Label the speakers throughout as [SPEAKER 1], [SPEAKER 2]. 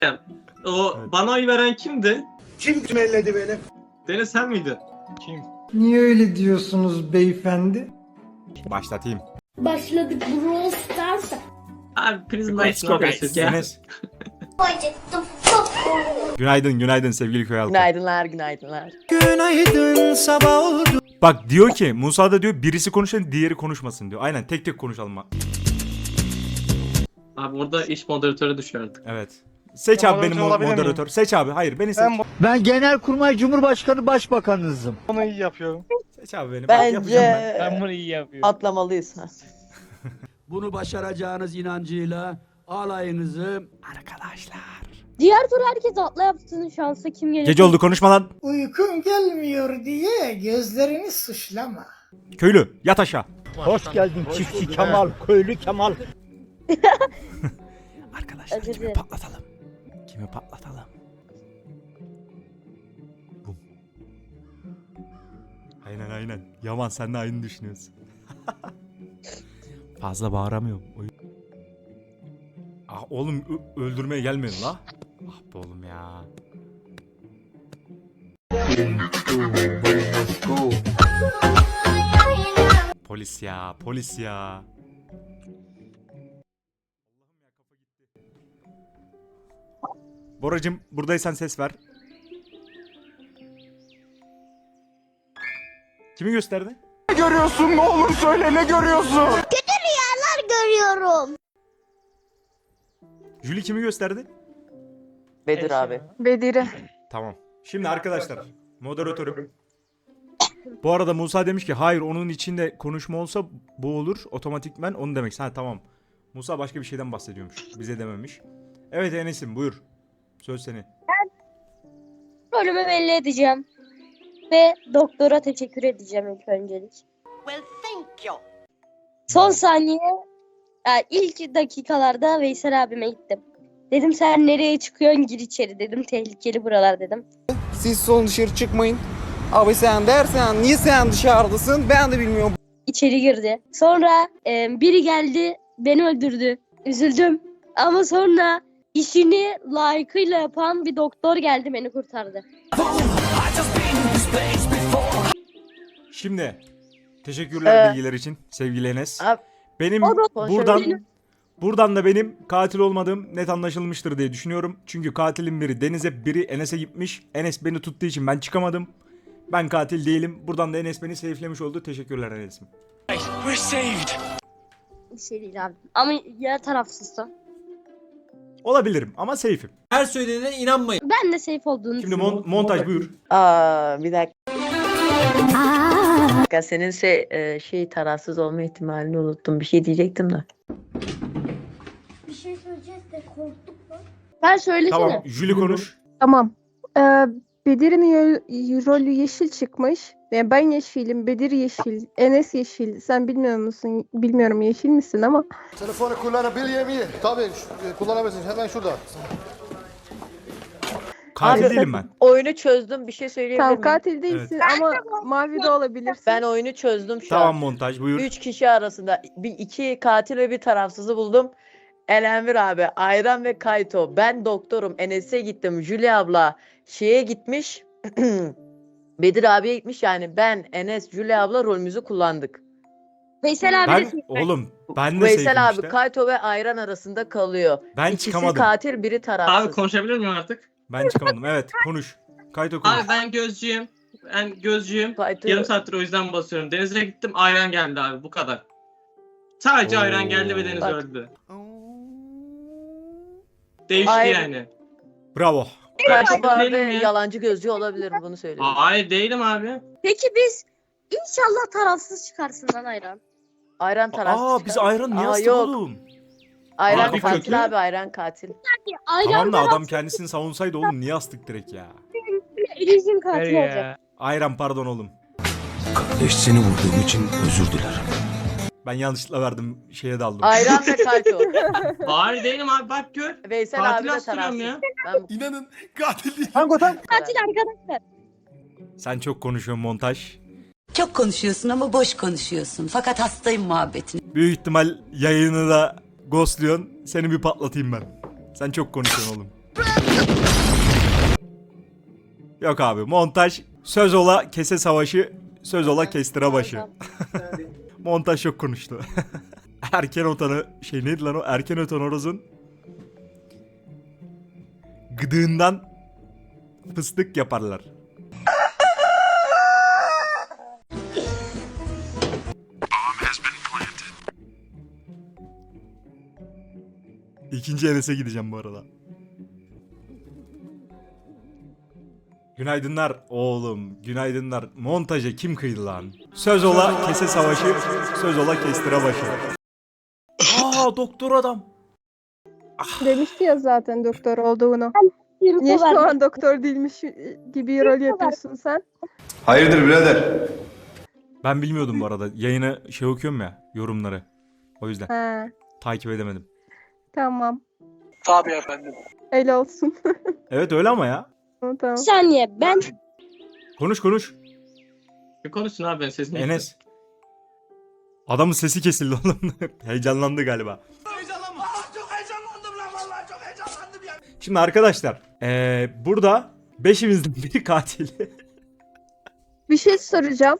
[SPEAKER 1] O
[SPEAKER 2] Evet.
[SPEAKER 1] bana oy veren kimdi?
[SPEAKER 3] Kim elledi beni?
[SPEAKER 1] Deniz sen miydin?
[SPEAKER 2] Kim?
[SPEAKER 4] Niye öyle diyorsunuz beyefendi?
[SPEAKER 2] Başlatayım.
[SPEAKER 5] Başladık Brawl Stars'a.
[SPEAKER 1] Abi Prisma
[SPEAKER 2] Let's
[SPEAKER 1] için
[SPEAKER 2] go
[SPEAKER 1] arkadaşlar
[SPEAKER 2] guys.
[SPEAKER 1] ya.
[SPEAKER 2] Enes.
[SPEAKER 5] Acıktım. Çok
[SPEAKER 2] Günaydın sevgili köy halkı.
[SPEAKER 6] Günaydınlar.
[SPEAKER 4] Günaydın sabah oldu.
[SPEAKER 2] Bak diyor ki Musa da diyor birisi konuşsun diğeri konuşmasın diyor. Aynen tek konuşalım.
[SPEAKER 1] Abi orada iş moderatörü düşüyor artık.
[SPEAKER 2] Evet. Seç abi benim
[SPEAKER 7] Moderatör olabilir
[SPEAKER 2] moderatör. Seç abi. Hayır beni seç.
[SPEAKER 7] Ben
[SPEAKER 4] Genelkurmay Cumhurbaşkanı Başbakanınızım.
[SPEAKER 7] bunu iyi yapıyorum.
[SPEAKER 2] Seç abi beni. Bak, yapacağım ben.
[SPEAKER 6] Bence
[SPEAKER 7] bunu iyi yapıyorum.
[SPEAKER 6] atlamalıyız. Ha.
[SPEAKER 8] Bunu başaracağınız inancıyla alayınızı
[SPEAKER 2] Arkadaşlar.
[SPEAKER 5] Diğer tur herkes atla yapsın şansa kim gelir?
[SPEAKER 2] Gece oldu konuşma lan.
[SPEAKER 4] Uykun gelmiyor diye gözlerini suçlama.
[SPEAKER 2] Köylü yat aşağı.
[SPEAKER 7] Hoş geldin çiftçi Kemal, köylü Kemal.
[SPEAKER 2] Arkadaşlar
[SPEAKER 5] Özür
[SPEAKER 2] kimi
[SPEAKER 5] dilerim.
[SPEAKER 2] patlatalım? Kimi patlatalım? Bum. Aynen. Yaman sen de aynı düşünüyorsun. Fazla bağıramıyorum. Ah oğlum öldürmeye gelmiyorsun la. Ah be oğlum ya. Polis ya. Boracım buradaysan ses ver. Kimi gösterdi?
[SPEAKER 7] Ne görüyorsun, ne olur söyle, ne görüyorsun?
[SPEAKER 5] Görüyorum.
[SPEAKER 2] Jüli kimi gösterdi?
[SPEAKER 6] Bedir abi.
[SPEAKER 9] Bedir'i.
[SPEAKER 2] Tamam. Şimdi arkadaşlar moderatörüm. Bu arada Musa demiş ki hayır onun içinde konuşma olsa bu olur otomatikmen onu demek. Ha tamam. Musa başka bir şeyden bahsediyormuş. Bize dememiş. Evet Enes'im buyur. Söz senin.
[SPEAKER 5] Rolümü belli edeceğim. Ve doktora teşekkür edeceğim ilk öncelik. Son saniye ilk dakikalarda Veysel abime gittim. Dedim sen nereye çıkıyorsun gir içeri dedim. Tehlikeli buralar dedim.
[SPEAKER 10] Siz son dışarı çıkmayın. Abi sen dersen niye sen dışarıdasın ben de bilmiyorum.
[SPEAKER 5] İçeri girdi. Sonra biri geldi beni öldürdü. Üzüldüm. Ama sonra işini layıkıyla yapan bir doktor geldi beni kurtardı.
[SPEAKER 2] Şimdi teşekkürler bilgiler için sevgili Enes.
[SPEAKER 6] Abi,
[SPEAKER 2] Benim
[SPEAKER 5] o da-
[SPEAKER 2] buradan da benim katil olmadığım net anlaşılmıştır diye düşünüyorum. Çünkü katilin biri Deniz'e biri Enes'e gitmiş. Enes beni tuttuğu için ben çıkamadım. Ben katil değilim. Buradan da Enes beni safe'lemiş oldu. Teşekkürler Enes'im.
[SPEAKER 5] Bir şey değil abi. Ama ya tarafsızsa.
[SPEAKER 2] Olabilirim ama safe'im.
[SPEAKER 3] Her söylediğine inanmayın.
[SPEAKER 5] Ben de safe olduğunu
[SPEAKER 2] Şimdi
[SPEAKER 5] düşünüyorum.
[SPEAKER 2] montaj buyur.
[SPEAKER 6] Bir dakika. Senin şey tarafsız olma ihtimalini unuttum. Bir şey diyecektim de.
[SPEAKER 5] Bir şey söyleyeceğiz de korktuk mu? Ben söylesene.
[SPEAKER 2] Tamam Jüli konuş.
[SPEAKER 9] Tamam. Bedir'in rolü yeşil çıkmış. Yani ben yeşilim, Bedir yeşil, Enes yeşil. Sen bilmiyor musun? Bilmiyorum yeşil misin ama.
[SPEAKER 3] Telefonu kullanabiliyor muyum? Tabii kullanabilirsin hemen şurada.
[SPEAKER 2] Katil
[SPEAKER 6] Abi,
[SPEAKER 2] değilim ben.
[SPEAKER 6] Oyunu çözdüm. Bir şey söyleyebilir
[SPEAKER 9] Tamam
[SPEAKER 6] miyim?
[SPEAKER 9] katil değilsin ama mavi de olabilirsin.
[SPEAKER 6] Ben oyunu çözdüm şu
[SPEAKER 2] Tamam
[SPEAKER 6] an.
[SPEAKER 2] montaj buyur.
[SPEAKER 6] 3 kişi arasında iki katil ve bir tarafsızı buldum. Elenvir abi, Ayran ve Kayto. Ben doktorum. Enes'e gittim. Julia abla şeye gitmiş. Bedir abiye gitmiş. Yani ben, Enes, Julia abla rolümüzü kullandık.
[SPEAKER 5] Veysel abi de
[SPEAKER 2] Oğlum ben de
[SPEAKER 6] Veysel
[SPEAKER 2] safe'im
[SPEAKER 6] abi
[SPEAKER 2] işte.
[SPEAKER 6] Kayto ve Ayran arasında kalıyor.
[SPEAKER 2] Ben
[SPEAKER 6] İkisi
[SPEAKER 2] çıkamadım.
[SPEAKER 6] katil, biri tarafsız.
[SPEAKER 1] Abi konuşabilir miyim artık?
[SPEAKER 2] Ben çıkamadım. Evet konuş. Kayto konuş.
[SPEAKER 1] Abi ben gözcüyüm.
[SPEAKER 6] Kayto-
[SPEAKER 1] Yarım saattir o yüzden basıyorum. Deniz'e gittim ayran geldi abi bu kadar. Sadece ayran geldi ve Deniz
[SPEAKER 6] Bak.
[SPEAKER 1] öldü. Değişti
[SPEAKER 6] Ayran.
[SPEAKER 1] yani.
[SPEAKER 2] Bravo.
[SPEAKER 6] Kayto bu arada
[SPEAKER 1] Değilim ya.
[SPEAKER 6] yalancı gözcü olabilir, bunu söylüyorum.
[SPEAKER 1] Hayır değilim abi.
[SPEAKER 5] Peki biz inşallah tarafsız çıkarsın lan Ayran.
[SPEAKER 6] Ayran tarafsız.
[SPEAKER 2] Biz ayran niye
[SPEAKER 6] Aa,
[SPEAKER 2] astık
[SPEAKER 6] yok.
[SPEAKER 2] oğlum?
[SPEAKER 6] Ayran
[SPEAKER 1] Abi
[SPEAKER 6] katil
[SPEAKER 1] kötü.
[SPEAKER 6] abi, Ayran katil.
[SPEAKER 5] Ayran
[SPEAKER 2] Tamam da adam
[SPEAKER 5] tarafsız
[SPEAKER 2] kendisini savunsaydı oğlum niye astık direkt ya?
[SPEAKER 5] Elizin katil olacak.
[SPEAKER 2] Ayran pardon oğlum.
[SPEAKER 8] Kardeş seni vurduğum için özür dilerim.
[SPEAKER 2] Ben yanlışlıkla verdim şeye daldım.
[SPEAKER 6] Ayran ve Kayto.
[SPEAKER 1] Hayır değilim abi bak gör.
[SPEAKER 6] Veysel
[SPEAKER 1] Katil
[SPEAKER 6] abi de
[SPEAKER 1] astırıyorum
[SPEAKER 6] tarafsız.
[SPEAKER 1] ya.
[SPEAKER 6] Ben
[SPEAKER 3] İnanın katil değil.
[SPEAKER 5] Katil arkadaşlar.
[SPEAKER 2] Sen çok konuşuyorsun montaj.
[SPEAKER 11] Çok konuşuyorsun ama boş konuşuyorsun. Fakat hastayım muhabbetine.
[SPEAKER 2] Büyük ihtimal yayını da ghostluyorsun. Seni bir patlatayım ben. Sen çok konuşuyorsun oğlum. Yok abi, montaj söz ola kese savaşı, söz ola kestire başı. Montaj çok konuştu. Erken otanı şey neydi lan o? Erken otan horozun gıdığından fıstık yaparlar. İkinci Enes'e gideceğim bu arada. Günaydınlar oğlum, günaydınlar. Montaja kim kıydı lan? Söz ola kese savaşı, söz ola kestire başı. Aa, doktor adam.
[SPEAKER 9] Demişti ya zaten doktor olduğunu. Niye şu an doktor değilmiş gibi rol yapıyorsun sen?
[SPEAKER 8] Hayırdır birader?
[SPEAKER 2] Ben bilmiyordum bu arada. Yayını şey okuyorum ya, yorumları. O yüzden
[SPEAKER 9] He,
[SPEAKER 2] takip edemedim.
[SPEAKER 9] tamam.
[SPEAKER 7] Tabii efendim.
[SPEAKER 9] Öyle olsun.
[SPEAKER 2] Evet öyle ama ya.
[SPEAKER 9] Tamam.
[SPEAKER 5] Bir saniye ben
[SPEAKER 2] Konuş.
[SPEAKER 1] Bir konuşsun abi ben sesini.
[SPEAKER 2] Enes. Adamın sesi kesildi oğlum. Heyecanlandı galiba. Şimdi arkadaşlar, burada beşimizden biri katil.
[SPEAKER 9] Bir şey soracağım.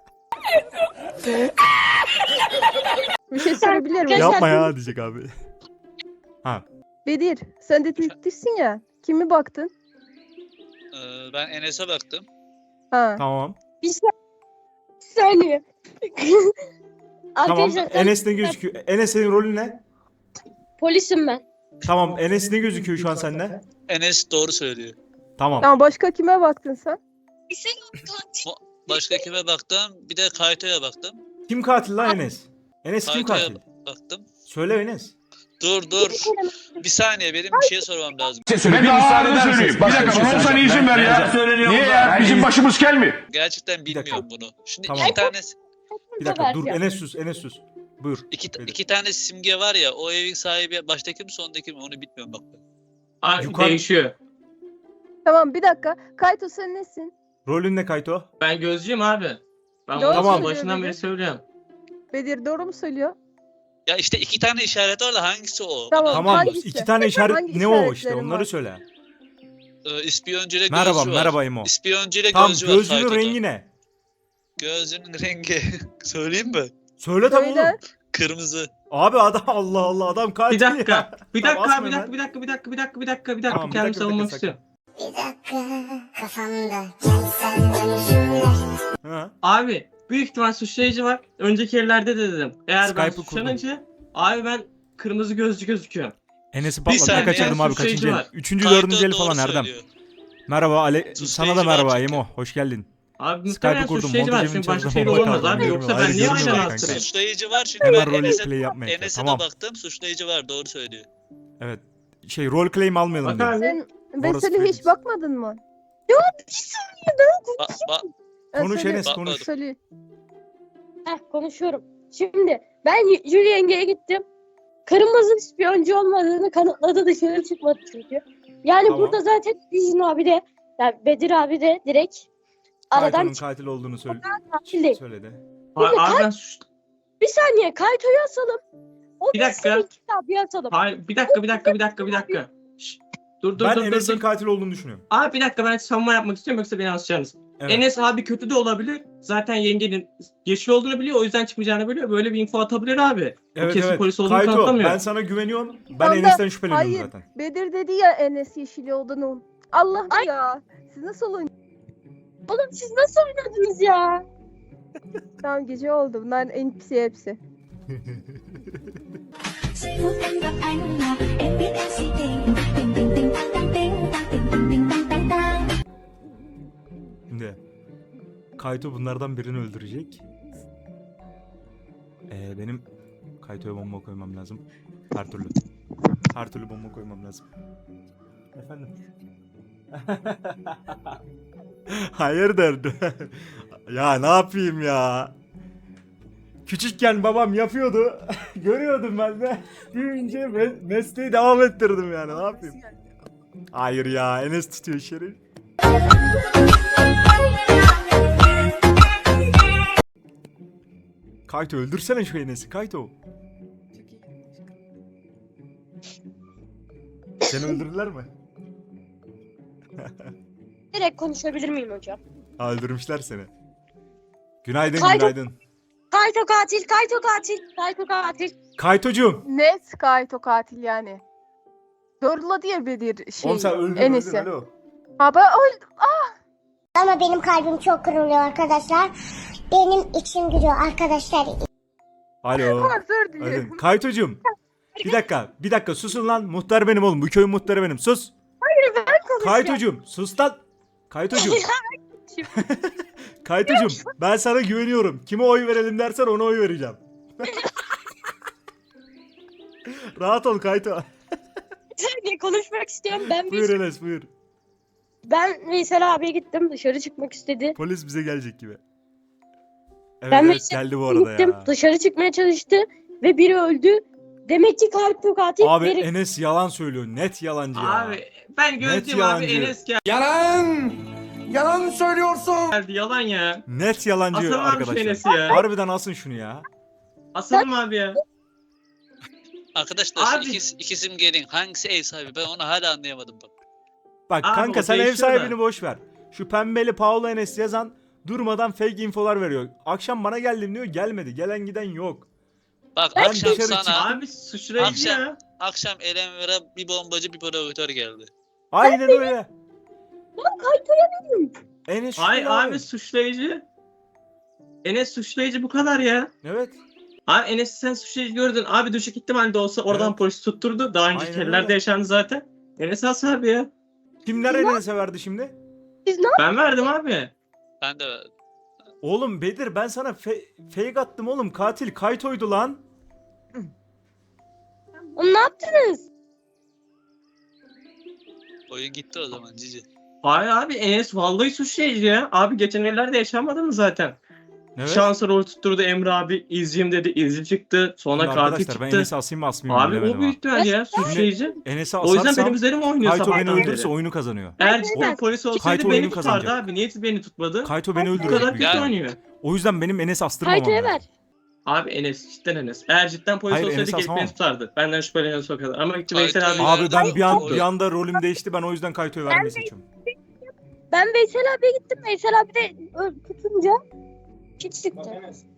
[SPEAKER 9] Bir şey sorabilir miyim?
[SPEAKER 2] Yapma ya diyecek abi. Ha,
[SPEAKER 9] Bedir, sen detektifsin ya. Kimi baktın?
[SPEAKER 12] Ben Enes'e baktım.
[SPEAKER 9] Ha.
[SPEAKER 2] tamam.
[SPEAKER 5] bir saniye.
[SPEAKER 2] Tamam.
[SPEAKER 5] Arkadaşlar
[SPEAKER 2] Enes ne gözüküyor? Enes senin rolün ne?
[SPEAKER 5] polisim ben.
[SPEAKER 2] Tamam. Enes ne gözüküyor şu an sende?
[SPEAKER 12] Enes doğru söylüyor.
[SPEAKER 2] Tamam.
[SPEAKER 9] Tamam, başka kime baktın sen?
[SPEAKER 12] Başka kime baktım? Bir de Kayto'ya baktım.
[SPEAKER 2] Kim katil lan Enes? Enes kim
[SPEAKER 12] Kayto'ya
[SPEAKER 2] katil?
[SPEAKER 12] baktım.
[SPEAKER 2] Söyle Enes.
[SPEAKER 12] Dur. Bir saniye benim bir şey sormam lazım.
[SPEAKER 7] Ben daha ağırını söyleyeyim. Bir dakika bana olsan izin ver ya. Niye ya? Bizim başımız kel mi?
[SPEAKER 12] Gerçekten
[SPEAKER 2] Bir dakika.
[SPEAKER 12] bilmiyorum bunu. Şimdi
[SPEAKER 2] Tamam.
[SPEAKER 12] iki tane
[SPEAKER 2] Bir dakika dur, Enes sus. Buyur.
[SPEAKER 12] iki tane simge var ya, o evin sahibi baştaki mi sondaki mi onu bilmiyorum bak.
[SPEAKER 1] Abi
[SPEAKER 2] Yukarı-
[SPEAKER 1] değişiyor.
[SPEAKER 9] Tamam, bir dakika. Kayto sen nesin?
[SPEAKER 2] Rolün ne Kayto?
[SPEAKER 1] Ben gözcüyüm abi. Ben
[SPEAKER 9] Doğru
[SPEAKER 1] bunu
[SPEAKER 2] söylüyor
[SPEAKER 1] başından
[SPEAKER 9] dedi.
[SPEAKER 1] beri söylüyorum.
[SPEAKER 9] Bedir doğru mu söylüyor?
[SPEAKER 12] Ya işte iki tane işaret var da hangisi o?
[SPEAKER 9] Tamam.
[SPEAKER 2] Tamam.
[SPEAKER 9] hangisi?
[SPEAKER 2] 2 tane işaret
[SPEAKER 9] Hangi
[SPEAKER 2] ne o işte
[SPEAKER 9] işaretlerin
[SPEAKER 2] onları
[SPEAKER 9] var?
[SPEAKER 2] söyle.
[SPEAKER 12] İspiyoncu ile gözcü
[SPEAKER 2] Merhaba,
[SPEAKER 12] var.
[SPEAKER 2] merhaba İmo.
[SPEAKER 12] İspiyoncu ile
[SPEAKER 2] Tamam,
[SPEAKER 12] gözcü var
[SPEAKER 2] gözünün
[SPEAKER 12] Kayto'da.
[SPEAKER 2] rengi ne?
[SPEAKER 12] Gözünün rengi. Söyleyeyim mi?
[SPEAKER 2] Söyle tabii
[SPEAKER 9] Söyle.
[SPEAKER 2] oğlum.
[SPEAKER 12] Kırmızı.
[SPEAKER 2] Abi adam Allah Allah adam katil
[SPEAKER 1] Bir dakika.
[SPEAKER 2] ya.
[SPEAKER 1] Bir
[SPEAKER 2] Tamam,
[SPEAKER 1] dakika,
[SPEAKER 2] asma
[SPEAKER 1] bir
[SPEAKER 2] hemen.
[SPEAKER 1] dakika, bir dakika, bir dakika, bir dakika, bir dakika.
[SPEAKER 2] Tamam, bir
[SPEAKER 1] Kendimi
[SPEAKER 2] dakika,
[SPEAKER 1] savunmak
[SPEAKER 2] sakın.
[SPEAKER 1] istiyorum.
[SPEAKER 2] Ha.
[SPEAKER 1] Abi büyük ihtimal suçlayıcı var. Önceki yerlerde de dedim. Eğer ben
[SPEAKER 2] Skype'ı kurdum.
[SPEAKER 1] suçlanınca abi ben kırmızı gözlü gözüküyorum.
[SPEAKER 2] Enes'i
[SPEAKER 12] Bir
[SPEAKER 2] patlatmaya
[SPEAKER 12] saniye,
[SPEAKER 2] kaçırdım abi
[SPEAKER 1] suçlayıcı
[SPEAKER 2] kaçıncı el?
[SPEAKER 1] var.
[SPEAKER 2] Üçüncü,
[SPEAKER 12] Kayto
[SPEAKER 2] dördüncü el
[SPEAKER 12] doğru
[SPEAKER 2] falan Erdem.
[SPEAKER 12] söylüyor.
[SPEAKER 2] Merhaba
[SPEAKER 12] Suçlayıcı
[SPEAKER 2] sana da merhaba
[SPEAKER 12] var çünkü.
[SPEAKER 2] Emo. Hoş geldin.
[SPEAKER 1] Abi
[SPEAKER 2] Skype'ı
[SPEAKER 1] muhtemelen
[SPEAKER 2] kurdum,
[SPEAKER 1] suçlayıcı var.
[SPEAKER 2] montajımın
[SPEAKER 1] Çünkü başka
[SPEAKER 2] içerisinde
[SPEAKER 1] şey de
[SPEAKER 2] bomba
[SPEAKER 1] olamaz
[SPEAKER 2] kaldı,
[SPEAKER 1] abi.
[SPEAKER 2] bilmiyorum.
[SPEAKER 1] Yoksa ben
[SPEAKER 2] Hayır,
[SPEAKER 1] niye
[SPEAKER 2] görmüyorum
[SPEAKER 1] aynen
[SPEAKER 2] kanka.
[SPEAKER 1] astırayım?
[SPEAKER 12] Suçlayıcı var çünkü
[SPEAKER 2] Hemen
[SPEAKER 12] ben
[SPEAKER 2] rol
[SPEAKER 12] Enes'e
[SPEAKER 2] play yapmaya
[SPEAKER 12] Enes'e
[SPEAKER 2] tamam.
[SPEAKER 12] de baktım, suçlayıcı var doğru söylüyor.
[SPEAKER 2] Evet. Şey rol claim almayalım
[SPEAKER 1] Bak
[SPEAKER 2] dedim.
[SPEAKER 1] abi.
[SPEAKER 9] Sen
[SPEAKER 2] Orası
[SPEAKER 9] Veseli hiç
[SPEAKER 2] Felix.
[SPEAKER 9] bakmadın mı?
[SPEAKER 2] Konuş Enes,
[SPEAKER 12] Bakmadım.
[SPEAKER 2] konuş.
[SPEAKER 9] Veseli.
[SPEAKER 5] Konuşuyorum. Şimdi ben Jüli yengeye gittim. Kırmızı ispiyoncu olmadığını kanıtladı, dışarı çıkmadı çünkü. Yani
[SPEAKER 2] Tamam.
[SPEAKER 5] burada zaten Dijin abi de, yani Bedir abi de direkt aradan
[SPEAKER 2] Kayto'nun katil olduğunu
[SPEAKER 5] katil değil.
[SPEAKER 2] söyledi.
[SPEAKER 1] Abi ben
[SPEAKER 5] Bir saniye Kayto'yu asalım. O
[SPEAKER 1] Bir
[SPEAKER 5] da
[SPEAKER 1] dakika.
[SPEAKER 5] senin kitabı asalım.
[SPEAKER 1] Hayır, bir dakika. Şşş. Dur
[SPEAKER 2] Ben
[SPEAKER 1] dur
[SPEAKER 2] Enes'in
[SPEAKER 1] dur.
[SPEAKER 2] katil olduğunu düşünüyorum.
[SPEAKER 1] Abi bir dakika ben savunma yapmak istiyorum yoksa beni asacaksınız.
[SPEAKER 2] Evet.
[SPEAKER 1] Enes abi kötü de olabilir. Zaten yengenin yeşil olduğunu biliyor. O yüzden çıkmayacağını biliyor. Böyle bir info atabilir abi.
[SPEAKER 2] Evet,
[SPEAKER 1] kesin
[SPEAKER 2] evet.
[SPEAKER 1] polis olduğunu
[SPEAKER 2] Kayto
[SPEAKER 1] kanıtlamıyor.
[SPEAKER 2] ben sana güveniyorum. Ben
[SPEAKER 9] Tam da-
[SPEAKER 2] Enes'ten şüpheleniyorum
[SPEAKER 9] Hayır.
[SPEAKER 2] zaten.
[SPEAKER 9] Bedir dedi ya Enes yeşili olduğunu. Allah ya. Siz nasıl oynuyorsunuz?
[SPEAKER 5] Oğlum siz nasıl oynadınız ya?
[SPEAKER 9] Tamam, gece oldu. Bunlar NPC hepsi.
[SPEAKER 2] Şimdi Kayto bunlardan birini öldürecek. Benim Kayto'ya bomba koymam lazım. Her türlü. Her türlü bomba koymam lazım. Efendim? Hayırdır? Ya ne yapayım ya? Küçükken babam yapıyordu. Görüyordum ben de. Büyüyünce mesleği devam ettirdim yani. Ne yapayım? Hayır ya. Enes tutuyor şerif. Kayto öldürsene şu Enes'i. Kayto. Seni öldürdüler mi?
[SPEAKER 5] direkt konuşabilir miyim hocam?
[SPEAKER 2] Öldürmüşler seni. Günaydın
[SPEAKER 5] Kayto-
[SPEAKER 2] günaydın.
[SPEAKER 5] Kayto katil, Kayto katil, Kayto katil.
[SPEAKER 2] Kaytocuğum.
[SPEAKER 9] Net Kayto katil yani. Doğruladı ya Bedir
[SPEAKER 2] Oğlum sen öldün
[SPEAKER 9] Enes'i.
[SPEAKER 2] alo.
[SPEAKER 9] Abi öldü.
[SPEAKER 13] Ama benim kalbim çok kırılıyor arkadaşlar. Benim içim gülüyor arkadaşlar.
[SPEAKER 2] Alo.
[SPEAKER 9] Özür dilerim.
[SPEAKER 2] Öldün. Kaytocuğum. Bir dakika susun lan. Muhtar benim oğlum. Bu köyün muhtarı benim. Sus.
[SPEAKER 5] Hayır ben konuşacağım.
[SPEAKER 2] Kaytocuğum sus lan. Kaytocuğum. Kaytocuğum ben sana güveniyorum. Kime oy verelim dersen ona oy vereceğim. Rahat ol Kayto.
[SPEAKER 5] Saniye konuşmak istiyorum.
[SPEAKER 2] Buyur Enes buyur.
[SPEAKER 5] Ben Veysel abiye gittim. Dışarı çıkmak istedi.
[SPEAKER 2] Polis bize gelecek gibi. Evet,
[SPEAKER 5] Ben
[SPEAKER 2] evet
[SPEAKER 5] Veysel
[SPEAKER 2] geldi bu arada
[SPEAKER 5] gittim.
[SPEAKER 2] ya.
[SPEAKER 5] Dışarı çıkmaya çalıştı ve biri öldü. Demek ki Kayto katil.
[SPEAKER 2] Abi
[SPEAKER 5] biri...
[SPEAKER 2] Enes yalan söylüyor. Net yalancı ya.
[SPEAKER 1] Abi ben gördüm abi
[SPEAKER 2] yalancı.
[SPEAKER 1] Enes
[SPEAKER 10] Yalan! Yalan söylüyorsun!
[SPEAKER 1] geldi yalan ya.
[SPEAKER 2] Net yalancı
[SPEAKER 1] Asalım abi şu
[SPEAKER 2] arkadaşlar.
[SPEAKER 1] Enes'i ya.
[SPEAKER 2] Harbiden asın şunu ya.
[SPEAKER 1] Asalım abi ya.
[SPEAKER 12] Arkadaşlar
[SPEAKER 1] Abi-
[SPEAKER 12] şu iki simgenin hangisi ev sahibi ben onu hala anlayamadım bak.
[SPEAKER 2] Bak
[SPEAKER 1] Abi
[SPEAKER 2] kanka
[SPEAKER 1] o
[SPEAKER 2] sen ev
[SPEAKER 1] değişiyor
[SPEAKER 2] sahibini
[SPEAKER 1] da.
[SPEAKER 2] boş ver. Şu pembeli Paolo Enes yazan durmadan fake infolar veriyor. Akşam bana geldim diyor gelmedi. Gelen giden yok.
[SPEAKER 12] Bak
[SPEAKER 2] Ben
[SPEAKER 12] akşam
[SPEAKER 2] dışarı
[SPEAKER 12] sana
[SPEAKER 1] Abi suçlayıcı
[SPEAKER 12] Akşam-
[SPEAKER 1] ya.
[SPEAKER 12] akşam Elenver'e bir bombacı bir provokatör geldi.
[SPEAKER 2] Aynen öyle.
[SPEAKER 5] Lan Kayto'ya dedim.
[SPEAKER 2] Enes
[SPEAKER 1] Ay
[SPEAKER 2] şüpheli
[SPEAKER 1] abi suçlayıcı. Enes suçlayıcı bu kadar ya.
[SPEAKER 2] Evet.
[SPEAKER 1] Abi Enes'i sen suçlayıcı gördün. Abi düşük ihtimalle olsa oradan
[SPEAKER 2] Evet.
[SPEAKER 1] polis tutturdu. Daha önceki
[SPEAKER 2] Aynen
[SPEAKER 1] yerlerde
[SPEAKER 2] öyle.
[SPEAKER 1] yaşandı zaten. Enes as abi ya.
[SPEAKER 2] Kimler Enes'e verdi şimdi?
[SPEAKER 5] Siz ne
[SPEAKER 1] Ben verdim abi.
[SPEAKER 12] Ben de
[SPEAKER 2] Oğlum Bedir ben sana fake attım oğlum. Katil Kayto'ydu lan.
[SPEAKER 5] Ne yaptınız?
[SPEAKER 12] oyun gitti o zaman cici.
[SPEAKER 1] Hayır abi Enes vallahi suçlayıcı ya. Abi geçen ellerde yaşanmadı mı zaten?
[SPEAKER 2] Evet.
[SPEAKER 1] Şansa rol tutturdu Emre abi. İzciyim dedi. İzci çıktı. Sonra
[SPEAKER 2] Şimdi
[SPEAKER 1] katil
[SPEAKER 2] arkadaşlar ben
[SPEAKER 1] çıktı.
[SPEAKER 2] Enes'i asayım mı asmayayım mı
[SPEAKER 1] Abi
[SPEAKER 2] bilemedim
[SPEAKER 1] o büyük ihtimal ya suçlayıcı.
[SPEAKER 2] Enes'i
[SPEAKER 1] O yüzden
[SPEAKER 2] asarsam
[SPEAKER 1] benim üzerime oynuyor
[SPEAKER 2] Kayto beni
[SPEAKER 1] sabahtan
[SPEAKER 2] öldürürse
[SPEAKER 1] beri.
[SPEAKER 2] oyunu kazanıyor.
[SPEAKER 1] Eğer
[SPEAKER 5] Ben-
[SPEAKER 1] polis olsaydı
[SPEAKER 2] Kayto
[SPEAKER 1] beni
[SPEAKER 2] oyunu
[SPEAKER 1] tutardı
[SPEAKER 2] kazanacak.
[SPEAKER 1] abi. Niye beni tutmadı?
[SPEAKER 2] Kayto beni
[SPEAKER 1] Bu
[SPEAKER 2] öldürecek
[SPEAKER 1] kadar
[SPEAKER 2] büyük
[SPEAKER 1] kötü
[SPEAKER 2] ihtimal.
[SPEAKER 1] oynuyor.
[SPEAKER 2] O yüzden benim Enes astırmamam
[SPEAKER 5] Kayto'ya
[SPEAKER 2] lazım.
[SPEAKER 5] ver.
[SPEAKER 1] Abi Enes cidden Enes. Eğer cidden polis
[SPEAKER 2] Hayır,
[SPEAKER 1] olsaydı
[SPEAKER 2] Enes
[SPEAKER 1] gelip
[SPEAKER 2] asamam.
[SPEAKER 1] beni tutardı. Benden şüpheleniyorsa o kadar. Ama gitti
[SPEAKER 12] Kayto-
[SPEAKER 1] Veysel abi.
[SPEAKER 2] Abi ben
[SPEAKER 12] Kayto-
[SPEAKER 2] bir anda rolüm değişti. Ben o yüzden Kayto'yu vermeyi seçiyorum.
[SPEAKER 5] Ben Veysel abiye gittim. Veysel abi de tutunca hiç sıktı.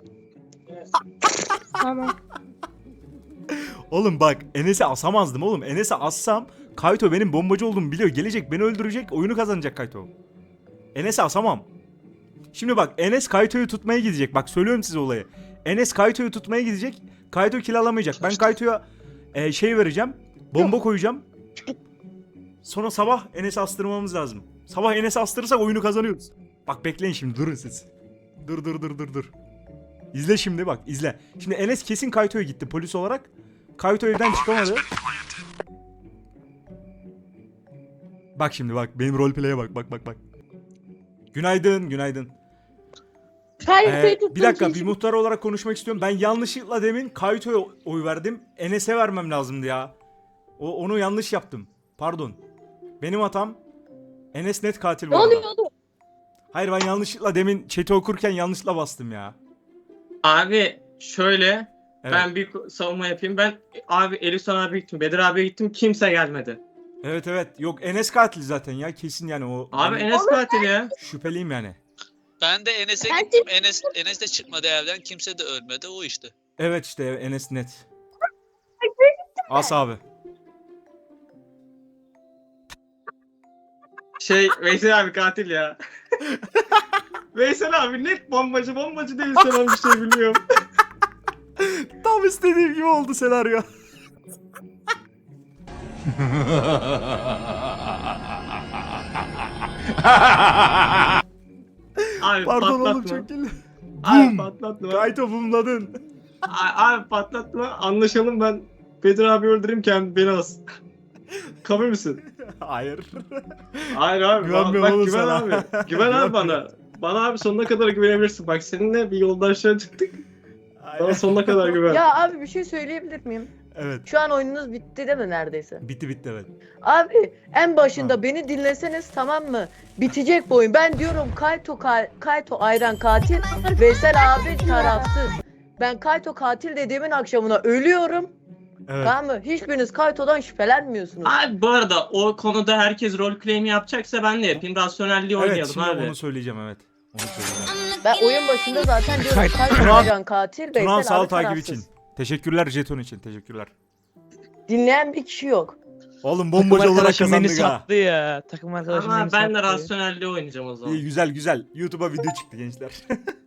[SPEAKER 5] Tamam.
[SPEAKER 2] Oğlum bak Enes'i asamazdım oğlum. Enes'i assam Kayto benim bombacı olduğumu biliyor. Gelecek beni öldürecek. Oyunu kazanacak Kayto. Enes'i asamam. Şimdi bak Enes Kayto'yu tutmaya gidecek. Bak söylüyorum size olayı. Enes Kayto'yu tutmaya gidecek. Kayto kill alamayacak. Ben Kayto'ya şey vereceğim. Bomba koyacağım. Sonra sabah Enes'i astırmamız lazım. Sabah Enes'i astırırsak oyunu kazanıyoruz. Bak bekleyin şimdi durun siz. Dur. İzle şimdi bak izle. Şimdi Enes kesin Kayto'ya gitti polis olarak. Kayto evden çıkamadı. Bak şimdi bak benim roleplay'e bak. Günaydın.
[SPEAKER 5] Kayto'yu tuttum.
[SPEAKER 2] Bir dakika bir muhtar olarak konuşmak istiyorum. Ben yanlışlıkla demin Kayto'ya oy verdim. Enes'e vermem lazımdı ya. Onu yanlış yaptım. Pardon. Benim hatam. Enes net katil bu
[SPEAKER 5] Ne
[SPEAKER 2] arada.
[SPEAKER 5] oluyordu?
[SPEAKER 2] Hayır ben yanlışlıkla demin chat'i okurken yanlışlıkla bastım ya.
[SPEAKER 1] Abi şöyle.
[SPEAKER 2] Evet.
[SPEAKER 1] Ben bir savunma yapayım. Ben abi Elifsan abiye gittim. Bedir abiye gittim. Kimse gelmedi.
[SPEAKER 2] Evet. Yok Enes katil zaten ya kesin yani o.
[SPEAKER 1] Abi
[SPEAKER 2] ben
[SPEAKER 1] Enes katil ya.
[SPEAKER 2] şüpheliyim yani.
[SPEAKER 12] Ben de Enes'e
[SPEAKER 5] Ben de-
[SPEAKER 12] gittim. Enes de çıkmadı evden. Kimse de ölmedi. O işte.
[SPEAKER 2] Evet işte Enes net. As abi.
[SPEAKER 1] Veysel abi katil ya. Veysel abi net bombacı değil sana bir şey biliyorum.
[SPEAKER 2] Tam istediğim gibi oldu senaryo.
[SPEAKER 1] Abi
[SPEAKER 2] Pardon oğlum
[SPEAKER 1] patlatma.
[SPEAKER 2] çok kirli.
[SPEAKER 1] Abi patlatma.
[SPEAKER 2] Kayto bumladın.
[SPEAKER 1] Abi patlatma. Anlaşalım ben Bedir abi öldüreyim kendi beni as. Kabul müsün?
[SPEAKER 2] Hayır.
[SPEAKER 1] Hayır abi.
[SPEAKER 2] Güvenmiyorum
[SPEAKER 1] Bak
[SPEAKER 2] oğlum
[SPEAKER 1] güven
[SPEAKER 2] sana.
[SPEAKER 1] abi. Güven abi bana. Bana abi sonuna kadar güvenebilirsin. Bak seninle bir yoldaşlığa çıktık. Bana sonuna kadar güven.
[SPEAKER 6] Ya abi bir şey söyleyebilir miyim?
[SPEAKER 2] Evet.
[SPEAKER 6] Şu an oyununuz bitti değil mi neredeyse?
[SPEAKER 2] Bitti evet.
[SPEAKER 6] Abi en başında beni dinleseniz tamam mı? Bitecek bu oyun. Ben diyorum Kayto Ayran katil, Veysel abi tarafsız. Ben Kayto katil dediğimin akşamına ölüyorum.
[SPEAKER 2] Evet.
[SPEAKER 6] Tamam mı? Hiçbiriniz Kayto'dan şüphelenmiyorsunuz.
[SPEAKER 1] Abi bu arada o konuda herkes rol claim yapacaksa ben de yapayım. Rasyonelliği
[SPEAKER 2] Evet
[SPEAKER 1] oynayalım
[SPEAKER 2] şimdi
[SPEAKER 1] abi.
[SPEAKER 2] onu söyleyeceğim evet. Onu söyleyeceğim.
[SPEAKER 6] Ben oyun başında zaten diyorum Kayto
[SPEAKER 2] Turan-
[SPEAKER 6] Ajan katil,
[SPEAKER 2] Turan
[SPEAKER 6] Veysel
[SPEAKER 2] sağ ol
[SPEAKER 6] abi
[SPEAKER 2] takip
[SPEAKER 6] tarafsız.
[SPEAKER 2] için. Teşekkürler jeton için. Teşekkürler.
[SPEAKER 6] Dinleyen bir kişi yok.
[SPEAKER 2] Oğlum bomboş olarak kazandık ha.
[SPEAKER 14] sattı ya. Takım arkadaşım
[SPEAKER 1] Ama
[SPEAKER 14] beni
[SPEAKER 1] ben de
[SPEAKER 14] sattı.
[SPEAKER 1] rasyonelliği oynayacağım o zaman.
[SPEAKER 2] İyi güzel güzel. YouTube'a video çıktı gençler.